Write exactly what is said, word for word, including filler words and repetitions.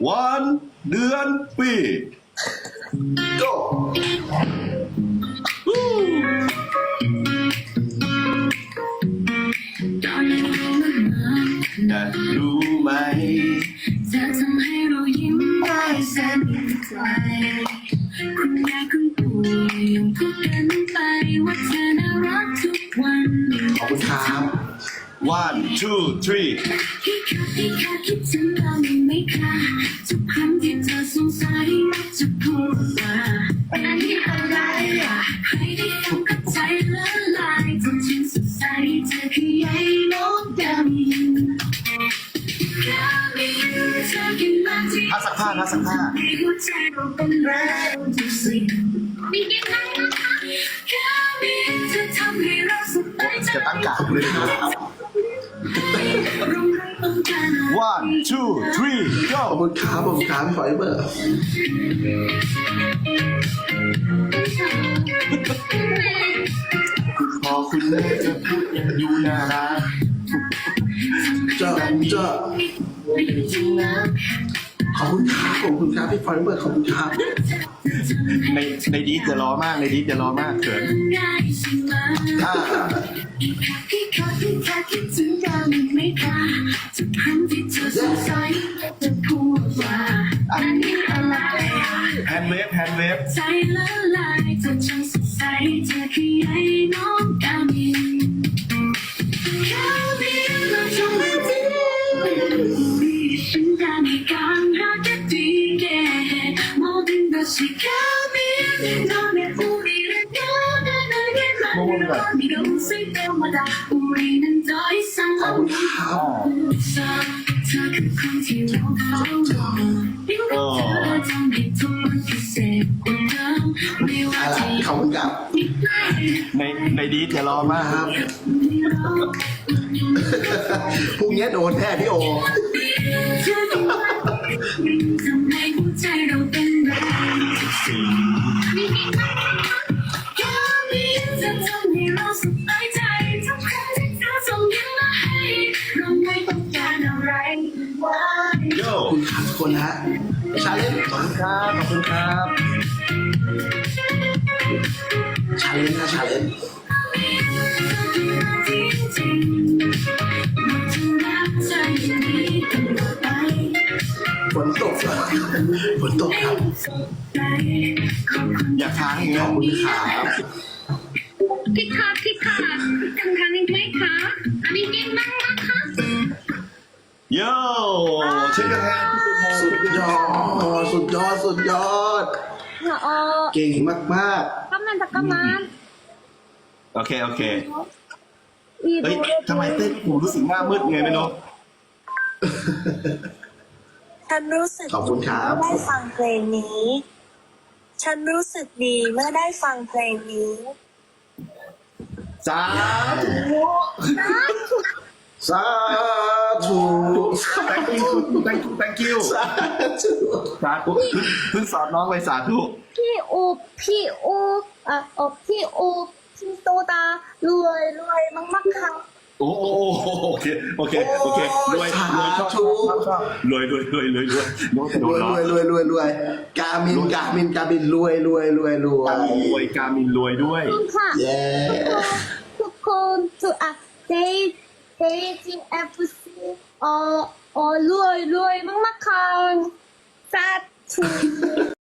วันเดือนปี go อยากรู้ไหมจะทำให้เรายิ้มได้แสนไกลคุณยายคุณปู่ยังพูดกันไปว่าเธอน่ารักทุกวันขอบคุณครับ one two three พี่คะพี่คะคิดถึงเราไหมคะทุกครั้งที่เธอสงสัยจะพูดว่าอันนี้อะไรอ่ะใครได้ฟังก็ใจละลายจนฉันสงสัยเธอคือใยน้องดำทักสักผ้าทักสักผ้าจะตั้งกาดเลยครับ one two three go ขอบคุณครับขอบคุณครับไฟเบอร์พอคุณแม่จะพูดยังอยู่น่ารักเจ้าเจ้าขอบคุณครับขอบคุณครับพี่ไฟเบอร์ขอบคุณครับในในดีจะรอมากในดีจะรอมากเขินอ่าพี่คะพี่คะคิดถึงกันไหมคะทุกครั้งที่เธอสงสัยจะพูดว่าอันนี้อะไรแฮนด์เวฟแฮนด์เวฟใจละลายจนฉันสงสัยเธอคือไอ้น้องกามินกามินเราจงรักเธอฉันได้ไม่การรักกันดีแก่모든 것이 가면 너의 우리를 떠나가게 만들어 네가 웃을 때마다 우리는 더 이상 없어 더 깊은 뒤로 가고 들어던 네 손끝에 온통 미워진 ขอบคุณครับในในดีจะรอมากครับพรุ่งนี้โดนแน่พี่โอทำให้หัวใจเราเต้นแรงก็มีจะทำให้เราสบายใจทุกครั้งที่เธอส่งยิ้มมาให้เราไม่ต้องการอะไรโย่ขอบคุณครับทุกคนฮะชาเลนจ์ขอบคุณครับขอบคุณครับชาเลนจ์นะชาเลนจ์ฝนตกฝนตกครับอยากทานอีกขนะอบคุณครับพี่คะพี่คะจำคันอีกไหมคะอันนี้เก่งมากนะคะโย่เช็คกันแทนสุดยอดสุดยอดสุดยอดเก่งมากมาก 잠깐만 잠깐만 โอเคโอเคเฮ้ยทำไมเต้นผมรู้สึกหน้ามืดไงไม่รู้ฉันรู้สึกขอบคุณครับเมื่อได้ฟังเพลงนี้ ฉันรู้สึกดีเมื่อได้ฟังเพลงนี้สาธุสาธุ thank you thank you thank you สาธุสาธุเพิ่งสอนน้องไปสาธุพี่โอพี่โออ่ะเออพี่โอพี่โตตารวยรวยมากๆค่ะโอ้โอ้โอเคโอเคโอเครวยรวยชอบชอบชอบรวยรวยรวยรวยรวยน้องจะโดรวน ยล้อรวยรวยรวยรวยกามินกามินกามินรวยรวยรวยรวยรวยกามินรวยด้วยขอบคุณค่ะเย้ทุกคนทุกอ่ะเดย์เดย์จีเอฟซีเอ่อเอ่อรวยรวยมากๆค่ะสาธุ